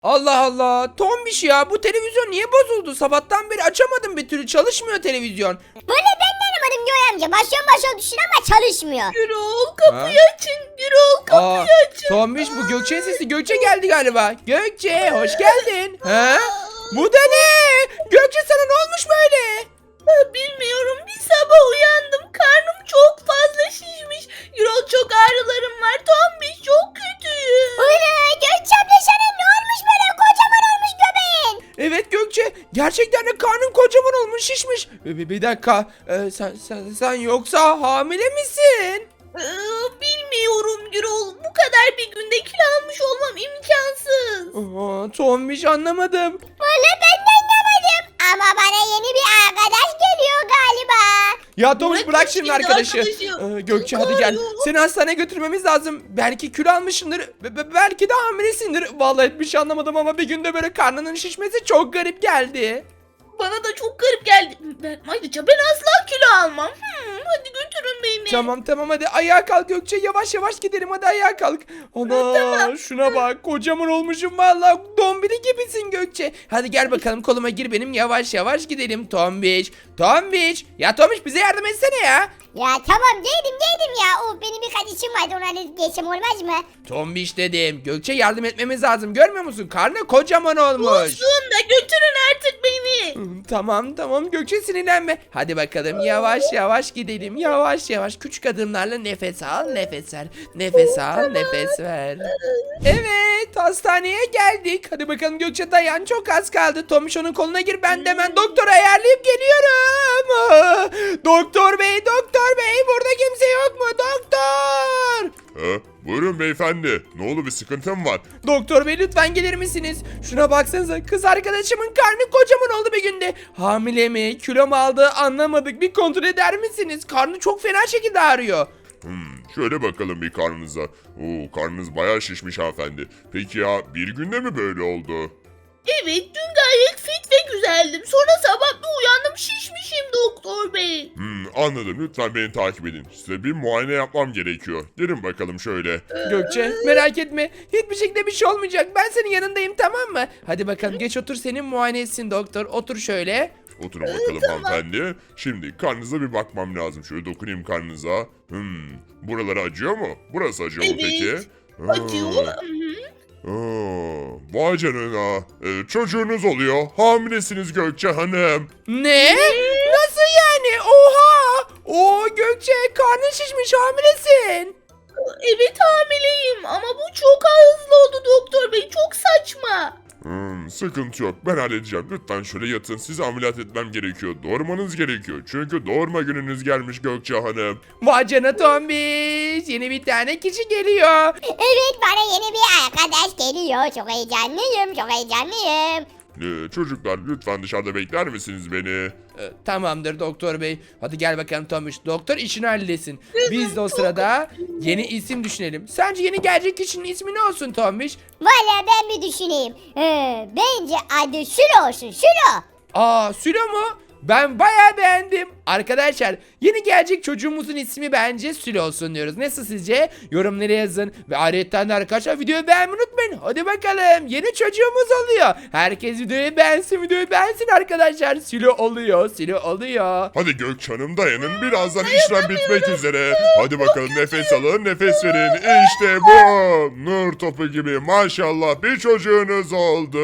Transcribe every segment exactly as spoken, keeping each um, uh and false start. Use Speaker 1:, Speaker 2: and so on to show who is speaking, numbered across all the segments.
Speaker 1: Allah Allah. Tombiş ya, bu televizyon niye bozuldu? Sabahtan beri açamadım bir türlü. Çalışmıyor televizyon.
Speaker 2: Valla ben de anlamadım Göğe amca. Basıyorum basıyorum tuşuna ama çalışmıyor.
Speaker 3: Gürol kapıyı
Speaker 1: Ha?
Speaker 3: açın. Gürol
Speaker 1: Aa,
Speaker 3: kapıyı açın.
Speaker 1: Tombiş, bu Gökçe'nin sesi. Gökçe geldi galiba. Gökçe, hoş geldin. Ha? Bu da ne? Gökçe, sana ne olmuş böyle?
Speaker 3: Ha, bilmiyorum, bir sabah uyandım. Karnım çok fazla şişmiş. Gürol çok ağrılarım var. Tombiş çok kötüyüm.
Speaker 2: Ula Gökçe abla sana ne olmuş böyle? Kocaman olmuş göbeğin.
Speaker 1: Evet Gökçe, gerçekten de karnın kocaman olmuş, şişmiş. Bir, bir dakika, ee, sen, sen, sen yoksa hamile misin?
Speaker 3: Ee, bilmiyorum Gürol. Bu kadar bir günde kilo almış olmam imkansız.
Speaker 1: Aa, Tombiş, anlamadım.
Speaker 2: Valla ben de anlamadım. Ama bana yeni bir arkadaş geliyor galiba.
Speaker 1: Ya Tombiş, bırak
Speaker 3: Bırak
Speaker 1: şimdi
Speaker 3: şimdi
Speaker 1: arkadaşı.
Speaker 3: arkadaşı.
Speaker 1: Ee, Gökçe,
Speaker 3: Çok
Speaker 1: hadi gel.
Speaker 3: ağrıyor.
Speaker 1: Seni hastaneye götürmemiz lazım. Belki kilo almışsındır. be- be- belki de hamilesindir. Vallahi bir şey anlamadım ama bir günde böyle karnının şişmesi çok garip geldi.
Speaker 3: Bana da çok garip geldi. Ben, ayrıca ben asla kilo almam. Hmm, hadi götürün beni.
Speaker 1: Tamam tamam, hadi ayağa kalk Gökçe. Yavaş yavaş gidelim, hadi ayağa kalk. Ana, şuna bak, kocaman olmuşum vallahi. Dombili gibisin Gökçe. Hadi gel bakalım, koluma gir benim, yavaş yavaş gidelim. Tombiş, Tombiş. Ya Tombiş, bize yardım etsene ya.
Speaker 2: Ya tamam geldim geldim ya. O benim birkaç işim vardı ona halledip geçsem olmaz mı?
Speaker 1: Tombiş dedim. Gökçe, yardım etmemiz lazım. Görmüyor musun? Karnı kocaman olmuş.
Speaker 3: Olsun da götürün artık beni.
Speaker 1: Hmm, Tamam tamam Gökçe, sinirlenme. Hadi bakalım, yavaş yavaş gidelim. Yavaş yavaş küçük adımlarla nefes al, nefes ver. Nefes al, nefes ver. Evet, hastaneye geldik. Hadi bakalım Gökçe, dayan, çok az kaldı. Tomiş, onun koluna gir, ben de hemen doktora ayarlayıp geliyorum. Ah, Doktor bey, doktor bey, burada kimse yok mu? Doktor!
Speaker 4: Ha, buyurun beyefendi. Ne oldu, bir sıkıntı mı var?
Speaker 1: Doktor bey, lütfen gelir misiniz? Şuna baksanıza, kız arkadaşımın karnı kocaman oldu bir günde. Hamile mi, kilo mu aldı anlamadık. Bir kontrol eder misiniz? Karnı çok fena şekilde ağrıyor.
Speaker 4: Hmm, şöyle bakalım bir karnınıza. Oo, karnınız bayağı şişmiş hanımefendi. Peki ya bir günde mi böyle oldu?
Speaker 3: Evet, dün gayet fit ve güzeldim. Sonra sabah bir uyandım, şişmişim doktor bey.
Speaker 4: Hmm, anladım. Lütfen beni takip edin. Size bir muayene yapmam gerekiyor. Gelin bakalım şöyle.
Speaker 1: Gökçe, merak etme. Hiçbir şekilde bir şey olmayacak. Ben senin yanındayım, tamam mı? Hadi bakalım, geç otur, senin muayene etsin doktor. Otur şöyle.
Speaker 4: Oturun bakalım hanımefendi. Şimdi karnınıza bir bakmam lazım. Şöyle dokunayım karnınıza. Hmm, buraları acıyor mu? Burası acıyor mu
Speaker 3: Evet,
Speaker 4: peki?
Speaker 3: acıyor.
Speaker 4: Ha.
Speaker 3: Hı hı.
Speaker 4: Aa, vay canına. Ee, çocuğunuz oluyor. Hamilesiniz Gökçe Hanım.
Speaker 1: Ne? Nasıl yani? Oha! Oo Gökçe, karnın şişmiş, hamilesin.
Speaker 3: Evet, hamileyim ama bu çok hızlı oldu doktor bey. Çok saçma.
Speaker 4: Hmm, sıkıntı yok. Ben halledeceğim. Lütfen şöyle yatın. Sizi ameliyat etmem gerekiyor. Doğurmanız gerekiyor. Çünkü doğurma gününüz gelmiş Gökçe Hanım.
Speaker 1: Vay canına Tombiş. Yeni bir tane kişi geliyor.
Speaker 2: Evet bana yeni bir arkadaş geliyor. Çok heyecanlıyım çok heyecanlıyım.
Speaker 4: Ee, çocuklar lütfen dışarıda bekler misiniz beni?
Speaker 1: Ee, tamamdır doktor bey. Hadi gel bakalım Tombiş. Doktor işini halletsin. Biz de o sırada yeni isim düşünelim. Sence yeni gelecek kişinin ismi ne olsun Tombiş?
Speaker 2: Valla ben bir düşüneyim. Ee, bence adı Şuro olsun Şuro.
Speaker 1: Aa, Sülo mu? Ben bayağı beğendim. Arkadaşlar, yeni gelecek çocuğumuzun ismi bence Sülo olsun diyoruz. Nasıl sizce? Yorumlara yazın. Ve ayrıca de arkadaşlar, videoyu beğenmeyi unutmayın. Hadi bakalım, yeni çocuğumuz oluyor. Herkes videoyu beğensin, videoyu beğensin arkadaşlar. Sülo oluyor, Sülo oluyor.
Speaker 4: Hadi Gökçe Hanım dayanın. Birazdan işlem bitmek üzere. Hadi bakalım nefes alın, nefes verin. İşte bu. Nur topu gibi maşallah bir çocuğunuz oldu.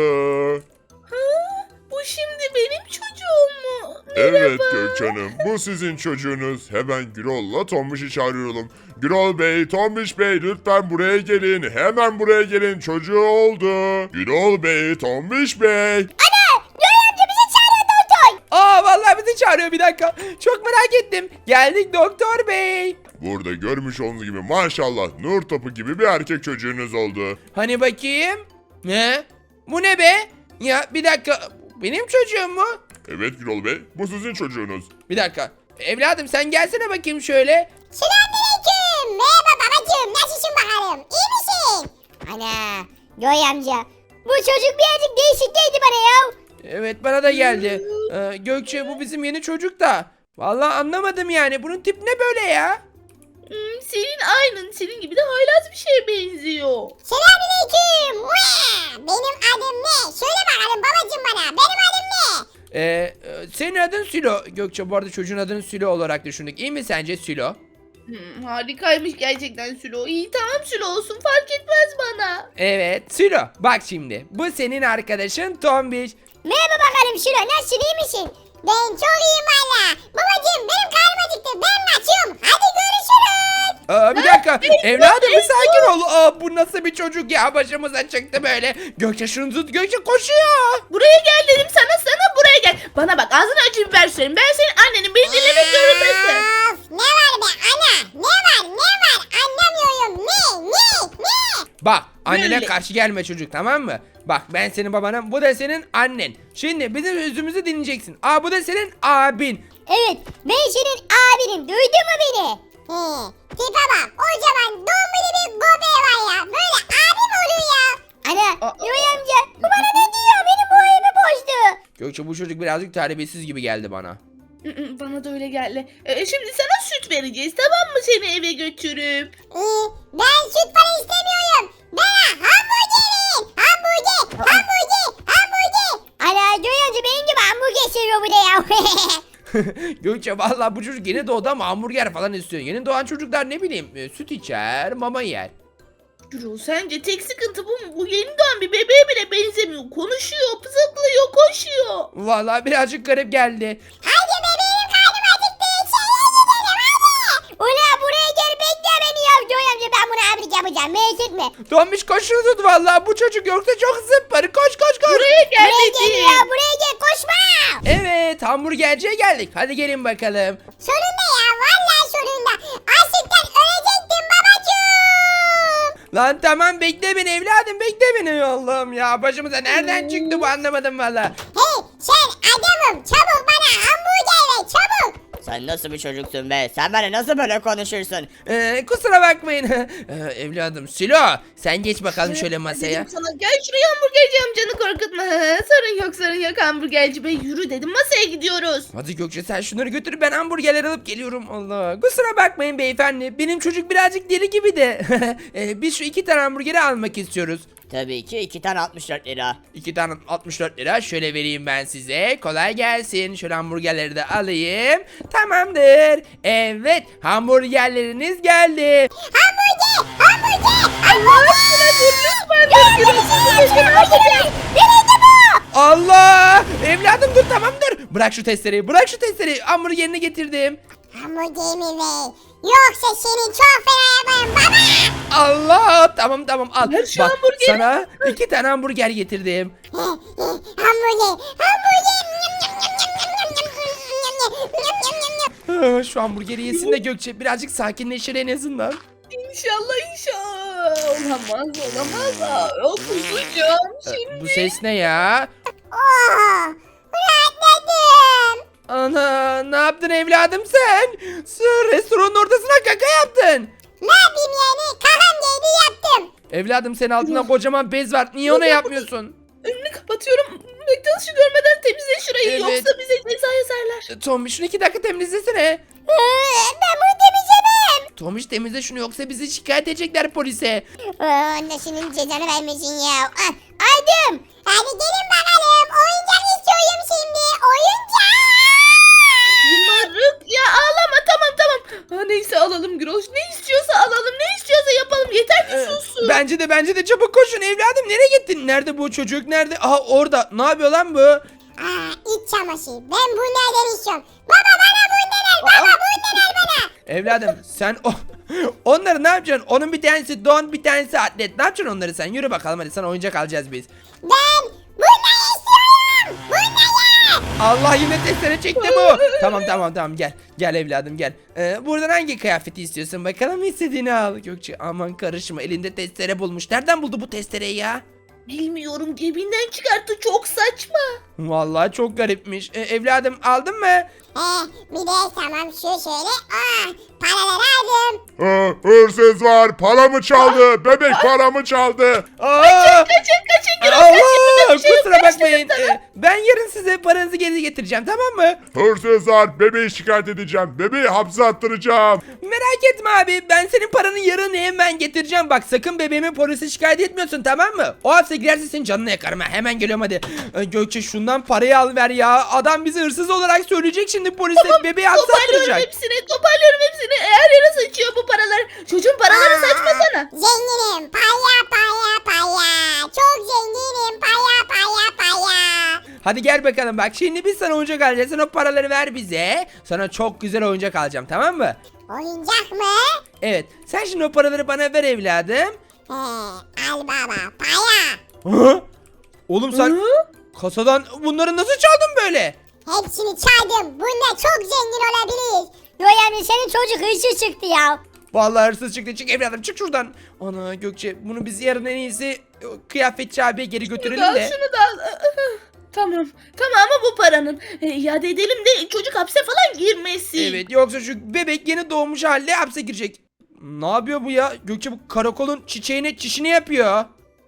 Speaker 3: Bu şimdi benim çocuğum mu?
Speaker 4: Evet Gökçe Hanım, bu sizin çocuğunuz. Hemen Gürol'la Tombiş'i çağırıyorum. Gürol Bey, Tombiş Bey lütfen buraya gelin. Hemen buraya gelin, çocuğu oldu. Gürol Bey, Tombiş Bey.
Speaker 2: Ana Göğe amca bizi çağırıyor doktor.
Speaker 1: Aa, vallahi bizi çağırıyor, bir dakika. Çok merak ettim. Geldik doktor bey.
Speaker 4: Burada görmüş olduğunuz gibi maşallah nur topu gibi bir erkek çocuğunuz oldu.
Speaker 1: Hani bakayım? Ne? Bu ne be? Ya bir dakika. Benim çocuğum mu?
Speaker 4: Evet Gürol Bey, bu sizin çocuğunuz.
Speaker 1: Bir dakika. Evladım, sen gelsene bakayım şöyle.
Speaker 2: Selamünaleyküm. Merhaba babacığım. Nasılsın bakalım? İyi misin? Ana Göğe amca. Bu çocuk birazcık değişik geldi bana ya.
Speaker 1: Evet, bana da geldi. Ee, Gökçe, bu bizim yeni çocuk da. Vallahi anlamadım yani. Bunun tip ne böyle ya?
Speaker 3: Hmm, senin aynın. Senin gibi de haylaz bir şeye benziyor.
Speaker 2: Selamünaleyküm. Mua! Benim adım ne? Söyle bakalım babacım bana. Benim adım ne?
Speaker 1: Ee, e, senin adın Sülo. Gökçe, bu arada çocuğun adını Sülo olarak düşündük. İyi mi sence Sülo?
Speaker 3: Hmm, harikaymış gerçekten Sülo. İyi tamam Sülo olsun fark etmez bana.
Speaker 1: Evet Sülo. Bak şimdi. Bu senin arkadaşın Tombiş.
Speaker 2: Merhaba bakalım Şiro. Nasılsın, iyi misin? Ben çok iyiyim valla. Babacım benim karnım acıktı. Ben kaçıyorum. Hadi görüşürüz.
Speaker 1: Aa, bir dakika. Evladım bir sakin ol. Aa, bu nasıl bir çocuk ya? Başımıza çıktı böyle. Gökçe şunu tut. Gökçe koşuyor.
Speaker 3: Buraya gel dedim sana sana buraya gel. Bana bak ağzını acı biber süreyim. Ben senin annenin beni dinlemek zorundasın.
Speaker 2: Of, ne var be ana? Ne var ne var? Anlamıyorum. Ne ne ne?
Speaker 1: Bak annene
Speaker 3: Böyle.
Speaker 1: karşı gelme çocuk, tamam mı? Bak ben senin babanım, bu da senin annen. Şimdi bizim sözümüzü dinleyeceksin. Aa, bu da senin abin.
Speaker 2: Evet, ben senin abinim. Duydun mu beni? He, tipe bak. O zaman dombili bir göbeği var ya. Böyle abim oluyor ya. Ana,
Speaker 3: Aa,
Speaker 2: Yoy amca. Bu bana ne diyor? Benim boyumu bozdu.
Speaker 1: Gökçe, bu çocuk birazcık terbiyesiz gibi geldi bana.
Speaker 3: Hı hı, bana da öyle geldi. Ee, şimdi sana süt vereceğiz tamam mı seni eve götürüp?
Speaker 2: Ee, ben süt para istemiyorum. Bana hamburger verin. Hamburger, hamburger, hamburger. Ana, Yoy amca benim gibi hamburger seviyor bu da ya.
Speaker 1: Gökçe, vallahi bu çocuk yeni doğdu ama hamburger falan istiyor. Yeni doğan çocuklar ne bileyim e, süt içer, mama yer.
Speaker 3: Gürol sence tek sıkıntı bu mu? Bu yeni doğan bir bebeğe bile benzemiyor. Konuşuyor, zıplıyor, koşuyor.
Speaker 1: Vallahi birazcık garip geldi.
Speaker 2: Hadi bebeğim karnım acıktı. İçeriye gidelim hadi. Ula buraya gel bekle beni ya. Yoy amca ben bunu abilik yapacağım. Merak etme.
Speaker 1: Tombiş koş şunu tut vallahi, bu çocuk yoksa çok zıpparı. Koş koş koş.
Speaker 3: Buraya gel
Speaker 2: Buraya gel
Speaker 3: dedim.
Speaker 2: ya, buraya gel koşma.
Speaker 1: Evet, hamburgerciye geldik. Hadi gelin bakalım.
Speaker 2: Sonunda ya, vallahi sonunda. Açlıktan ölecektim babacığım.
Speaker 1: Lan tamam, bekle beni evladım, bekle beni. Allah'ım ya, başımıza nereden çıktı bu, anlamadım valla.
Speaker 2: Hey sen adamım, çabuk bana hamburger ver çabuk.
Speaker 5: Sen nasıl bir çocuksun be? Sen bana nasıl böyle konuşursun?
Speaker 1: Ee, kusura bakmayın. Ee, evladım Silo, sen geç bakalım şöyle masaya.
Speaker 3: Dedim sana gel şuraya hamburgerci amcanı korkutma. Sorun yok sorun yok hamburgerci bey yürü dedim masaya gidiyoruz.
Speaker 1: Hadi Gökçe, sen şunları götür, ben hamburgerler alıp geliyorum. Allah, kusura bakmayın beyefendi, benim çocuk birazcık deli gibi de. ee, biz şu iki tane hamburgeri almak istiyoruz.
Speaker 5: Tabii ki iki tane altmış dört lira.
Speaker 1: İki tane altmış dört lira, şöyle vereyim ben size. Kolay gelsin. Şöyle hamburgerleri de alayım. Tamamdır. Evet, hamburgerleriniz geldi.
Speaker 2: Hamburger, hamburger,
Speaker 3: Allah aşkına dur lütfen dur Gürol.
Speaker 2: nereydi bu?
Speaker 1: Allah! Evladım dur, tamam dur. Bırak şu testereyi, bırak şu testereyi. Hamburgerini getirdim.
Speaker 2: Hamburgerimi ver. Yoksa seni çok fena yaparım baba.
Speaker 1: Allah! Tamam tamam al.
Speaker 3: Ver şu
Speaker 1: Bak,
Speaker 3: hamburgeri.
Speaker 1: sana iki tane hamburger getirdim.
Speaker 2: Hamburger, hamburger. Nyam, nyam, nyam, nyam, nyam, nyam, nyam, nyam, nyam, nyam, nyam.
Speaker 1: Ah, Şu hamburgeri yesin de Gökçe birazcık sakinleşir en azından.
Speaker 3: İnşallah inşallah. Olamaz olamaz. Aa, kusacağım
Speaker 1: Ee,
Speaker 3: şimdi.
Speaker 1: Bu ses ne ya?
Speaker 2: Oh, rahatladım.
Speaker 1: Ana, ne yaptın evladım sen? Sır restoranın ortasına kaka yaptın.
Speaker 2: Ne yapayım yani? Kakam geldi yaptım.
Speaker 1: Evladım, senin altında kocaman bez var. Niye onu yapmıyorsun?
Speaker 3: Önünü kapatıyorum. McDonald's'ı görmeden temizle şurayı
Speaker 1: Evet.
Speaker 3: yoksa bize ceza yazarlar.
Speaker 1: Tombiş, şunu iki dakika temizlesene.
Speaker 2: Ee, ben bunu temizlemem.
Speaker 1: Tombiş, temizle şunu yoksa bizi şikayet edecekler polise.
Speaker 2: Ee, annesinin cezanı vermesin ya. Ah, aldım. Hadi gelin bakalım. Oyuncak istiyorum şimdi. Oyuncak.
Speaker 3: Yımarık ya ağlama tamam tamam. Ha, neyse alalım Güroş. Ne istiyorsa alalım ne istiyorsa yapalım. Yeter ki
Speaker 1: Ee,
Speaker 3: sussun.
Speaker 1: Bence de bence de çabuk koşun evladım. Nereye gittin? Nerede bu çocuk? Nerede? Aha, orada. Ne yapıyor lan bu?
Speaker 2: Aa, iç çamaşırı. Ben bunlardan istiyorum. Baba bana bundan al. Baba bundan al bana.
Speaker 1: Evladım sen o onları ne yapacaksın? Onun bir tanesi don, bir tanesi atlet. Ne yapacaksın onları sen? Yürü bakalım, hadi sana oyuncak alacağız biz.
Speaker 2: Ben bundan istiyorum. Bundan.
Speaker 1: Allah, yine testere çekti bu. Tamam tamam tamam, gel. Gel evladım gel. Ee, buradan hangi kıyafeti istiyorsun? Bakalım, istediğini al. Gökçe aman karışma, elinde testere bulmuş. Nereden buldu bu testereyi ya?
Speaker 3: Bilmiyorum cebinden çıkarttı çok saçma.
Speaker 1: Vallahi çok garipmiş. Ee, evladım aldın mı?
Speaker 2: Ee, bir de tamam şu şöyle. Aa, paraları aldım.
Speaker 4: Ha, hırsız var, paramı çaldı, bebek paramı çaldı.
Speaker 1: Aa!
Speaker 3: Kaçın kaçın Gürol kaçın.
Speaker 1: Allah!
Speaker 3: Burada bir şey yok.
Speaker 1: kusura bakmayın. Ee, ben yarın size paranızı geri getireceğim, tamam mı?
Speaker 4: Hırsızlar, bebeği şikayet edeceğim. Bebeği hapse attıracağım.
Speaker 1: Merak etme abi, ben senin paranın yarını hemen getireceğim. Bak sakın bebeğimi polise şikayet etmiyorsun, tamam mı? O hapse girerse senin canını yakarım ha. Hemen geliyorum hadi. Ee, Gökçe şundan parayı al ver ya. Adam bizi hırsız olarak söyleyecek şimdi polise. Bebeği hapse
Speaker 3: Toparlıyorum
Speaker 1: attıracak.
Speaker 3: hepsini, toparlıyorum hepsini. Eğer yere saçıyor bu paralar. Çocuğun paraları saçmasana.
Speaker 2: Zenginim paya paya paya. Çok zenginim paya paya paya.
Speaker 1: Hadi gel bakalım, bak şimdi biz sana oyuncak alacağız. Sen o paraları ver bize. Sana çok güzel oyuncak alacağım, tamam mı?
Speaker 2: Oyuncak mı?
Speaker 1: Evet, sen şimdi o paraları bana ver evladım.
Speaker 2: He, al baba paya.
Speaker 1: Hı? Oğlum sen
Speaker 3: Hı?
Speaker 1: kasadan bunları nasıl çaldın böyle?
Speaker 2: Hepsini çaldım. Bunda çok zengin olabiliriz.
Speaker 6: Yoy amca senin çocuk hırsız çıktı ya.
Speaker 1: Vallahi hırsız çıktı. Çık evladım, çık şuradan. Ana Gökçe, bunu biz yarın en iyisi kıyafetçi abiye geri götürelim
Speaker 3: Al
Speaker 1: de.
Speaker 3: şunu da al. Tamam. Tamamı bu paranın. E, iade edelim de çocuk hapse falan girmesin.
Speaker 1: Evet, yoksa şu bebek yeni doğmuş halde hapse girecek. Ne yapıyor bu ya? Gökçe bu karakolun çiçeğini çişini yapıyor.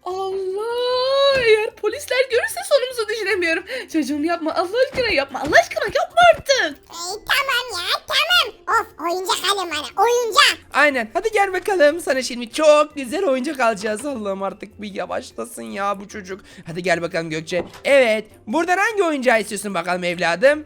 Speaker 3: Allah! Eğer polisler görürse sonumuzu düşünemiyorum. Çocuğum yapma. Allah aşkına yapma. Allah aşkına yapma artık.
Speaker 2: Ey, tamam ya tamam. Of oyuncak alın bana oyuncak.
Speaker 1: Aynen, hadi gel bakalım, sana şimdi çok güzel oyuncak alacağız. Allah'ım artık bir yavaşlasın ya bu çocuk. Hadi gel bakalım Gökçe. Evet, buradan hangi oyuncağı istiyorsun bakalım evladım?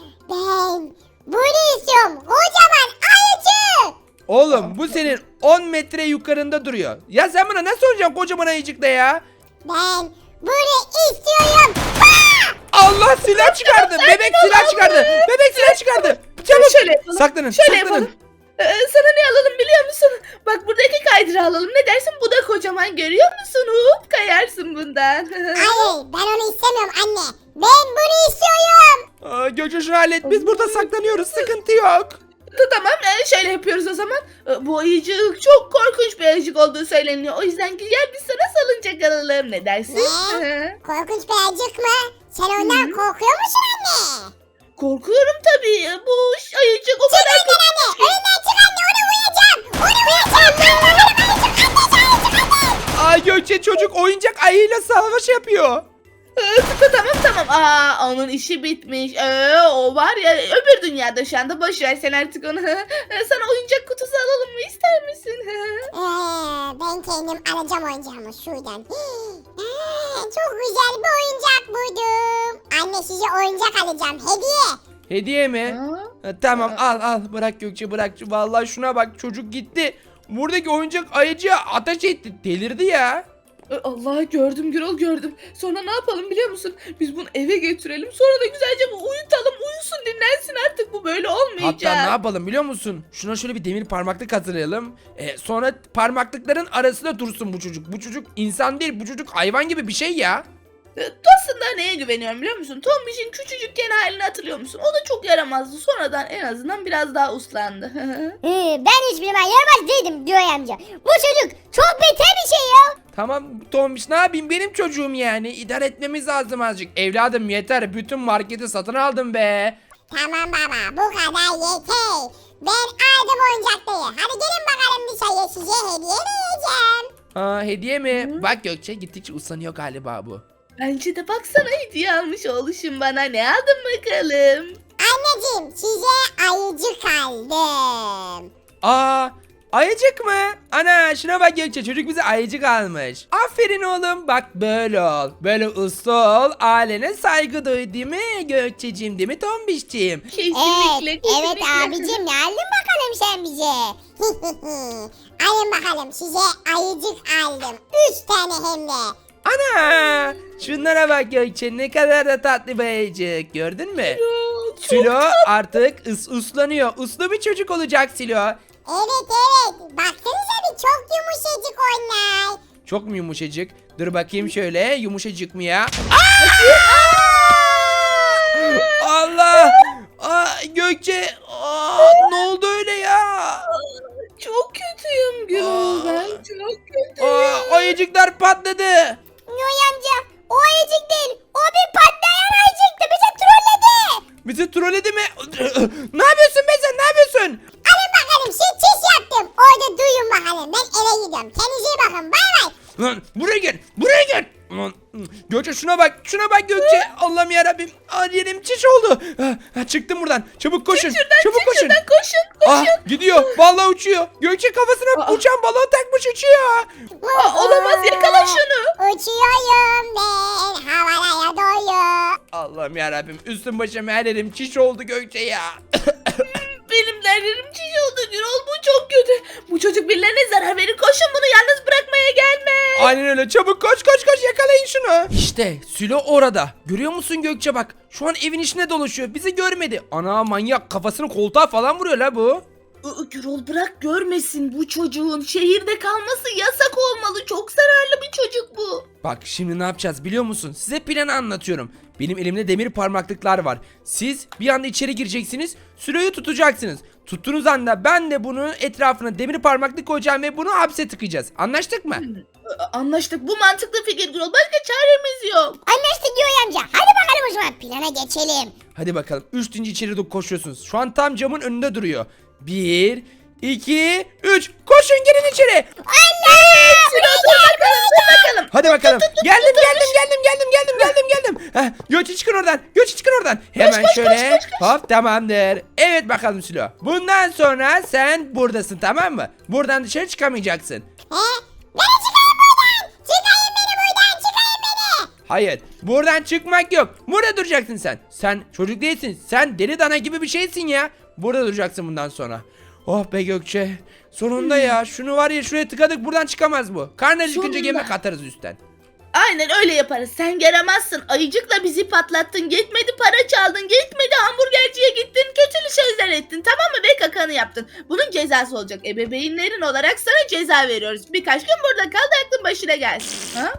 Speaker 2: Ben bunu istiyorum. Kocaman ayıcık.
Speaker 1: Oğlum bu senin on metre yukarında duruyor. Ya sen bana nasıl oynayacaksın kocaman ayıcıkla ya?
Speaker 2: Ben bunu istiyorum. Aa!
Speaker 1: Allah, silah çıkardı. Bebek silah çıkardı. Bebek silah çıkardı. Çabuk.
Speaker 3: Şöyle yapalım.
Speaker 1: Saklanın.
Speaker 3: Şöyle
Speaker 1: saklanın.
Speaker 3: yapalım. Ee, sana ne alalım biliyor musun? Bak buradaki kaydıra alalım. Ne dersin? Bu da kocaman, görüyor musun? Hop kayarsın bundan.
Speaker 2: Hayır ben onu istemiyorum anne. Ben bunu istiyorum.
Speaker 1: Aa, Gökçe şunu hallet. Biz burada saklanıyoruz. Sıkıntı yok.
Speaker 3: Tamam e, şöyle yapıyoruz o zaman. E, Bu ayıcık çok korkunç bir ayıcık olduğu söyleniyor. O yüzden gel biz sana salıncak alalım. Ne dersin?
Speaker 2: Ne?
Speaker 3: Hı.
Speaker 2: Korkunç bir ayıcık mı? Sen ondan korkuyor musun anne?
Speaker 3: Korkuyorum tabii. Bu ş- ayıcık o
Speaker 2: Çık
Speaker 3: kadar
Speaker 2: önden anne. Önünden çık anne. Onu uyuyacağım. Onu uyuyacağım. Allah'ım ayıcık. Anne ayıcık anne.
Speaker 1: Aa, Gökçe çocuk oyuncak ayıyla savaş yapıyor.
Speaker 3: Ee, tamam tamam. Aa, onun işi bitmiş. Ee, o var ya öbür dünyada şu anda. Boş ver sen artık onu. Ee, Sana oyuncak kutusu alalım mı, ister misin?
Speaker 2: Ee, ben kendim alacağım oyuncağımı şuradan. Ee, çok güzel bir oyuncak buldum. Anne size oyuncak alacağım. Hediye.
Speaker 1: Hediye mi?
Speaker 3: Aa.
Speaker 1: Ha, tamam al al, bırak Gökçe bırak. Vallahi şuna bak, çocuk gitti. Buradaki oyuncak ayıcıya ateş etti. Delirdi ya.
Speaker 3: Ee, Allah, gördüm Gürol, gördüm. Sonra ne yapalım biliyor musun? Biz bunu eve götürelim. Sonra da güzelce bu uyutalım. Uyusun, dinlensin artık. Bu böyle olmayacak.
Speaker 1: Hatta ne yapalım biliyor musun? Şuna şöyle bir demir parmaklık hazırlayalım. Ee, sonra parmaklıkların arasında dursun bu çocuk. Bu çocuk insan değil, bu çocuk hayvan gibi bir şey ya.
Speaker 3: Ee, Aslında neye güveniyorum biliyor musun? Tombiş'in küçücükken halini hatırlıyor musun? O da çok yaramazdı. Sonradan en azından biraz daha uslandı.
Speaker 6: Hı, ben hiçbir zaman yaramaz değildim diyor amca. Bu çocuk çok beter bir şey ya.
Speaker 1: Tamam Tombiş, ne yapayım, benim çocuğum yani. İdare etmemiz lazım azıcık. Evladım yeter, bütün marketi satın aldım be.
Speaker 2: Tamam baba bu kadar yeter. Ben aldım oyuncakları. Hadi gelin bakalım dışarıya size hediye vereceğim.
Speaker 1: Aa, hediye mi? Bak Gökçe gittikçe usanıyor galiba bu.
Speaker 3: Bence de baksana, hediye almış oğluşum bana. Ne aldın bakalım?
Speaker 2: Anneciğim size ayıcık aldım.
Speaker 1: Aa, ayıcık mı? Ana şuna bak Gökçe, çocuk bize ayıcık almış. Aferin oğlum, bak böyle ol. Böyle uslu ol, ailene saygı duy, değil mi Gökçeciğim, değil mi Tombişciğim?
Speaker 3: Kesinlikle,
Speaker 2: Evet,
Speaker 3: kesinlikle.
Speaker 2: evet abicim ne aldın bakalım sen bize? Alın bakalım size ayıcık aldım. Üç tane hem de.
Speaker 1: Ana şunlara bak Gökçe, ne kadar da tatlı bir ayıcık, gördün mü?
Speaker 3: Çok
Speaker 1: Silo artık ıs uslanıyor, uslu bir çocuk olacak Silo.
Speaker 2: Evet evet. Baksanıza bir çok yumuşacık onlar.
Speaker 1: Çok mu yumuşacık? Dur bakayım şöyle, yumuşacık mı ya? Allah! Aa, Gökçe! Aa, ne oldu öyle ya?
Speaker 3: Çok kötüyüm Gürol, ben çok kötüyüm.
Speaker 1: Aa, ayıcıklar patladı.
Speaker 6: Yoy amca o ayıcık değil. O bir patlayan ayıcıktı. Bizi trolledi.
Speaker 1: Bizi trolledi mi? Ne yapıyorsun be sen, ne yapıyorsun?
Speaker 2: Alın bakalım siz çiş yaptım. Orada duyun bakalım. Ben eve gidiyorum. Kendinize iyi bakın. Bay bay.
Speaker 1: Lan buraya gel, buraya gel. Lan, Gökçe şuna bak. bak şuna bak Gökçe. Allah'ım yarabbim. Aa, yerim çiş oldu. Ha, ha, çıktım buradan. Çabuk koşun.
Speaker 3: Şuradan
Speaker 1: Çabuk
Speaker 3: çık
Speaker 1: koşun.
Speaker 3: şuradan koşun koşun.
Speaker 1: Ah gidiyor. Vallahi uçuyor. Gökçe kafasına
Speaker 3: Aa.
Speaker 1: uçan balon takmış uçuyor.
Speaker 3: Aa, olamaz yakala şunu.
Speaker 2: Uçuyorum ben havalara doğru.
Speaker 1: Allah'ım yarabbim. Üstüm başım her yerim çiş oldu Gökçe ya.
Speaker 3: Benim derlerim çiş oldu Gürol, bu çok kötü. Bu çocuk birilerine zarar verir, koşun bunu yalnız bırakmaya gelme.
Speaker 1: Aynen öyle. Çabuk koş koş koş yakalayın şunu. İşte Sülo orada. Görüyor musun Gökçe bak. Şu an evin içine dolaşıyor. Bizi görmedi. Ana manyak kafasını koltuğa falan vuruyor la bu.
Speaker 3: Iı, Gürol bırak görmesin, bu çocuğun şehirde kalması yasak olmalı. Çok zararlı bir çocuk bu.
Speaker 1: Bak şimdi ne yapacağız biliyor musun? Size planı anlatıyorum. Benim elimde demir parmaklıklar var. Siz bir anda içeri gireceksiniz. Sülo'yu tutacaksınız. Tuttuğunuz anda ben de bunun etrafına demir parmaklık koyacağım ve bunu hapse tıkayacağız. Anlaştık mı?
Speaker 3: Iı, Anlaştık, bu mantıklı fikir Gürol. Başka çaremiz yok.
Speaker 2: Anlaştık Yoy amca. Hadi bakalım o zaman plana geçelim.
Speaker 1: Hadi bakalım. Üç deyince içeri doğru koşuyorsunuz. Şu an tam camın önünde duruyor. Bir, iki, üç. Koşun girin içeri.
Speaker 2: Anne!
Speaker 3: Gürol dur bakalım, dur bakalım.
Speaker 1: Hadi bakalım. Geldim geldim geldim geldim geldim geldim geldim. Heh, Gökçe çıkın oradan. Gökçe çıkın oradan. Hemen
Speaker 3: koş,
Speaker 1: şöyle.
Speaker 3: koş, koş, koş.
Speaker 1: Hop tamamdır. Evet bakalım Sülo. Bundan sonra sen buradasın tamam mı? Buradan dışarı çıkamayacaksın.
Speaker 2: He? Beni çıkarın buradan. Çıkarın beni buradan. Çıkarın beni.
Speaker 1: Hayır. Buradan çıkmak yok. Burada duracaksın sen. Sen çocuk değilsin. Sen deli dana gibi bir şeysin ya. Burada duracaksın bundan sonra. Oh be Gökçe. Sonunda ya. Şunu var ya şuraya tıkadık buradan çıkamaz bu. Karnı acıkınca
Speaker 3: Sonunda.
Speaker 1: yemek atarız üstten.
Speaker 3: Aynen öyle yaparız. Sen yaramazsın. Ayıcıkla bizi patlattın. Gitmedi para çaldın. Gitmedi hamburgerciye gittin. Kötülü şeyler ettin. Tamam mı? Ve kakanı yaptın. Bunun cezası olacak. Ebeveynlerin olarak sana ceza veriyoruz. Birkaç gün burada kal da aklın başına gelsin. Ha?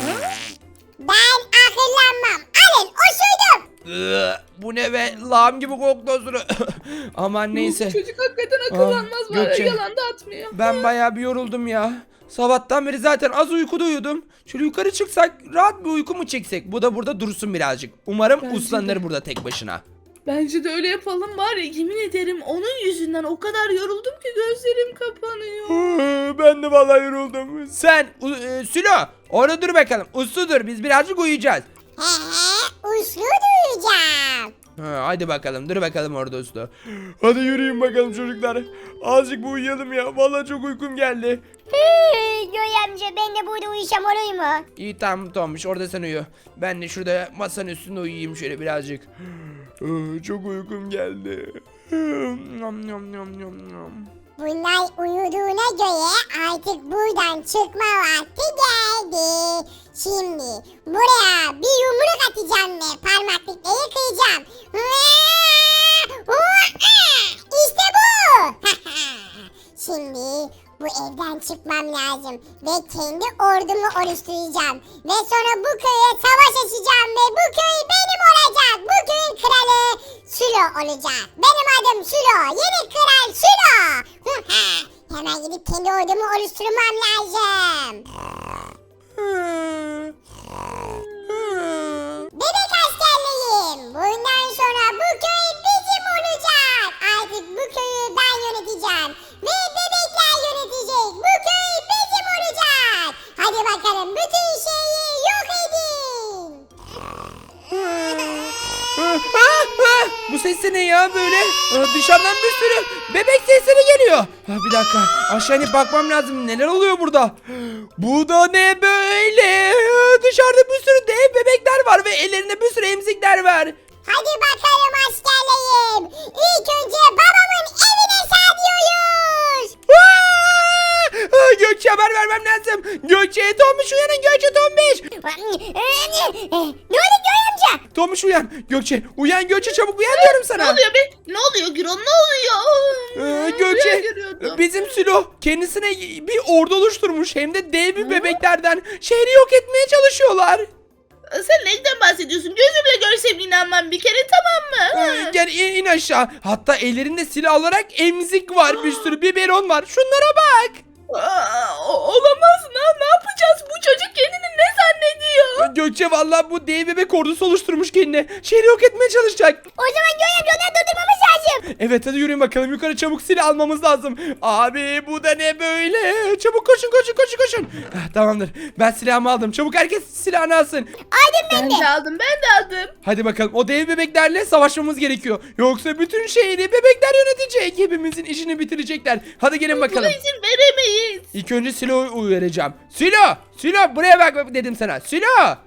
Speaker 2: Ben akıllanmam. Alın osurdum.
Speaker 1: Iı, bu ne be? Lağım gibi koktu osuru. Aman neyse.
Speaker 3: Bu çocuk hakikaten akıllanmaz
Speaker 1: Aa,
Speaker 3: var.
Speaker 1: Gökçe.
Speaker 3: Yalan da atmıyor.
Speaker 1: Ben bayağı bir yoruldum ya. Sabahtan beri zaten az uykuda uyudum. Şöyle yukarı çıksak rahat bir uyku mu çeksek? Bu da burada dursun birazcık. Umarım
Speaker 3: Bence
Speaker 1: uslanır
Speaker 3: de.
Speaker 1: burada tek başına.
Speaker 3: Bence de öyle yapalım var ya, yemin ederim onun yüzünden o kadar yoruldum ki gözlerim kapanıyor.
Speaker 1: Hı, ben de vallahi yoruldum. Sen u- e, Sülo orada dur bakalım. Uslu dur biz birazcık uyuyacağız.
Speaker 2: He he. Uslu duyacağım.
Speaker 1: Ha, hadi bakalım dur bakalım orada uslu. Hadi yürüyün bakalım çocuklar. Azıcık bu uyuyalım ya. Vallahi çok uykum geldi.
Speaker 2: Yoy amca ben de burada uyusam olur mu?
Speaker 1: İyi tamam Tombiş orada sen uyu. Ben de şurada masanın üstünde uyuyayım şöyle birazcık. Hı, çok uykum geldi. Hı, Nom nom nom nom nom.
Speaker 2: Bunlar uyuduğuna göre artık buradan çıkma vakti geldi. Şimdi buraya bir yumruk atacağım ve parmaklıkları kıracağım. İşte bu. Şimdi bu evden çıkmam lazım ve kendi ordumu oluşturacağım. Ve sonra bu köye savaş açacağım ve bu köy benim olacak. Bu köyün kralı Sülo olacak. Benim adım Sülo. Yeni kral Sülo. Hemen gidip kendi ordumu oluşturmam lazım. Bebek askerliyim. Bundan sonra bu köy bizim olacak. Artık bu köyü ben yöneteceğim. Ve bebekler yönetecek. Bu köy bizim olacak. Hadi bakalım bütün şeyi yok edin.
Speaker 1: Ah, ah, ah! Bu ses de ne ya böyle? Ah, dışarıdan bir sürü bebek sesleri geliyor. Ah, bir dakika aşağı inip bakmam lazım. Neler oluyor burada? Bu da ne böyle? Ah, dışarıda bir sürü dev bebekler var ve ellerinde bir sürü emzikler var.
Speaker 2: Hadi bakalım askerliyim. İlk önce babamın evine saldırıyoruz.
Speaker 1: Ah! Ah, Gökçe haber vermem lazım. Gökçe Tombiş uyanın Gökçe Tombiş.
Speaker 2: Ne oldu Göy amca?
Speaker 1: Tombiş uyan. Gökçe uyan Gökçe çabuk uyan diyorum
Speaker 3: Ne
Speaker 1: sana.
Speaker 3: oluyor be? Ne oluyor Gürol? Ne oluyor?
Speaker 1: Ee,
Speaker 3: Rüya
Speaker 1: Gökçe
Speaker 3: görüyordum.
Speaker 1: bizim Sülo kendisine bir ordu oluşturmuş hem de dev bir bebeklerden şehri yok etmeye çalışıyorlar.
Speaker 3: Sen neyden bahsediyorsun? Gözümle görsem inanmam bir kere, tamam mı?
Speaker 1: Ee, gel in, in aşağı. Hatta ellerinde silah olarak emzik var bir sürü biberon var. Şunlara bak.
Speaker 3: Aa, o- olamaz. Ne, ne yapacağız? Bu çocuk kendini ne zannediyor?
Speaker 1: Gökçe vallahi bu dev bebek ordusu oluşturmuş kendine. Şehri yok etmeye çalışacak.
Speaker 6: O zaman Göğe amca onları durdurmamız lazım.
Speaker 1: Evet hadi yürüyün bakalım yukarı çabuk silah almamız lazım. Abi bu da ne böyle? Çabuk koşun koşun koşun koşun. Ah, tamamdır ben silahımı aldım. Çabuk herkes silahını alsın.
Speaker 6: Aldım ben
Speaker 3: Ben
Speaker 6: de.
Speaker 3: de aldım, ben de aldım.
Speaker 1: Hadi bakalım o dev bebeklerle savaşmamız gerekiyor. Yoksa bütün şehri bebekler yönetecek. Hepimizin işini bitirecekler. Hadi gelin
Speaker 3: Buna
Speaker 1: bakalım.
Speaker 3: izin veremeyiz.
Speaker 1: İlk önce Silo'yu uyaracağım. Silo! Silo buraya bak dedim sana. Silo!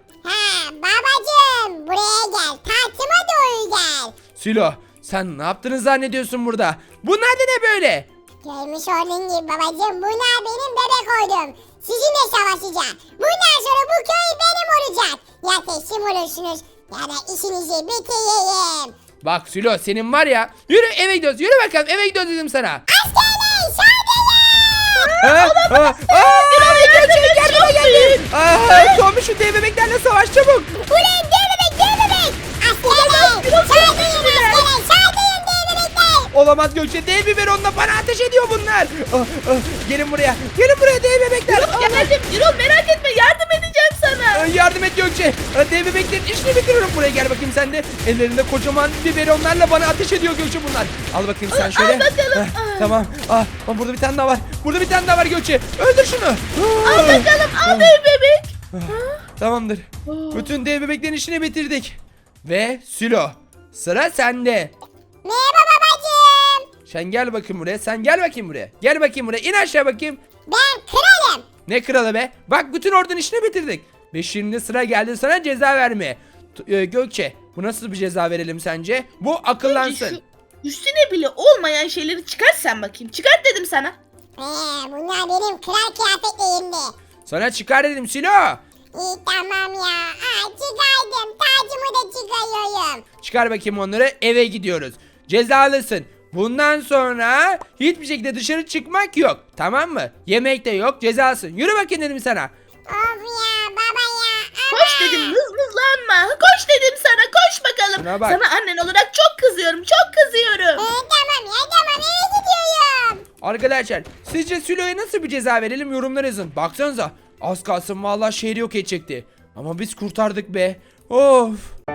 Speaker 2: Ha babacım buraya gel. Tahtıma doğru gel.
Speaker 1: Silo sen ne yaptığını zannediyorsun burada? Bunlar da ne böyle?
Speaker 2: Görmüş olduğun gibi babacım bunlar benim bebek oydum. Sizinle savaşacağım. Bundan sonra bu köy benim olacak. Ya teslim olursunuz ya da işinizi bitireyim.
Speaker 1: Bak Silo senin var ya. Yürü eve gidiyoruz. Yürü bakalım eve gidiyoruz dedim sana.
Speaker 2: Askerler saldırın.
Speaker 1: Ha? Ha? Aa, gerçek yardıma geldi. Aa, Tombiş şu dev bebeklerle savaş çabuk.
Speaker 2: Ulan dev bebek dev bebek. Askerler saldırın askerler saldırın dev bebekler.
Speaker 1: Olamaz Gökçe dev biberonla bana ateş ediyor bunlar. Ah, ah, gelin buraya. Gelin buraya dev bebekler. Ah,
Speaker 3: Geldim. Gürol merak etme, yardım edeceğim sana.
Speaker 1: ah, yardım et Gökçe. Ah, dev bebeklerin işini bitiriyorum. Buraya gel bakayım sen de. Ellerinde kocaman biberonlarla bana ateş ediyor Gökçe bunlar. Al bakayım sen şöyle.
Speaker 3: Al bakalım.
Speaker 1: Ah, tamam. Ah, ah, burada bir tane daha var. Burada bir tane daha var Gökçe. Öldür şunu.
Speaker 3: Al bakalım, al dev bebek.
Speaker 1: Tamamdır. Bütün dev bebeklerin işini bitirdik. Ve Sülo. Sıra sende.
Speaker 2: Merhaba babacım.
Speaker 1: Sen gel bakayım buraya. Sen gel bakayım buraya. Gel bakayım buraya. İn aşağı bakayım.
Speaker 2: Ben kralım.
Speaker 1: Ne kralı be? Bak bütün ordunun işini bitirdik. Ve şimdi sıra geldi sana ceza vermeye. T- e, Gökçe bu nasıl bir ceza verelim sence? Bu akıllansın.
Speaker 3: Şu üstüne bile olmayan şeyleri çıkart sen bakayım. Çıkart dedim sana.
Speaker 2: Ee, bunlar benim kral kıyafetlerimdi.
Speaker 1: Sana çıkar dedim Sülo.
Speaker 2: İyi tamam ya. Aa, çıkardım. Tacımı da çıkarıyorum.
Speaker 1: Çıkar bakayım onları eve gidiyoruz. Cezalısın. Bundan sonra hiçbir şekilde dışarı çıkmak yok. Tamam mı? Yemek de yok cezalısın. Yürü bakayım dedim sana.
Speaker 2: Of ya baba ya. Ama.
Speaker 3: Koş dedim, mızmızlanma. Koş dedim sana, koş bakalım.
Speaker 1: Şuna bak.
Speaker 3: Sana annen olarak çok kızıyorum, çok kızıyorum.
Speaker 2: Ee, tamam ya tamam eve gidiyorum.
Speaker 1: Arkadaşlar sizce Sülo'ya nasıl bir ceza verelim yorumlara yazın. Baksanıza az kalsın vallahi şehri yok edecekti. Ama biz kurtardık be. Of.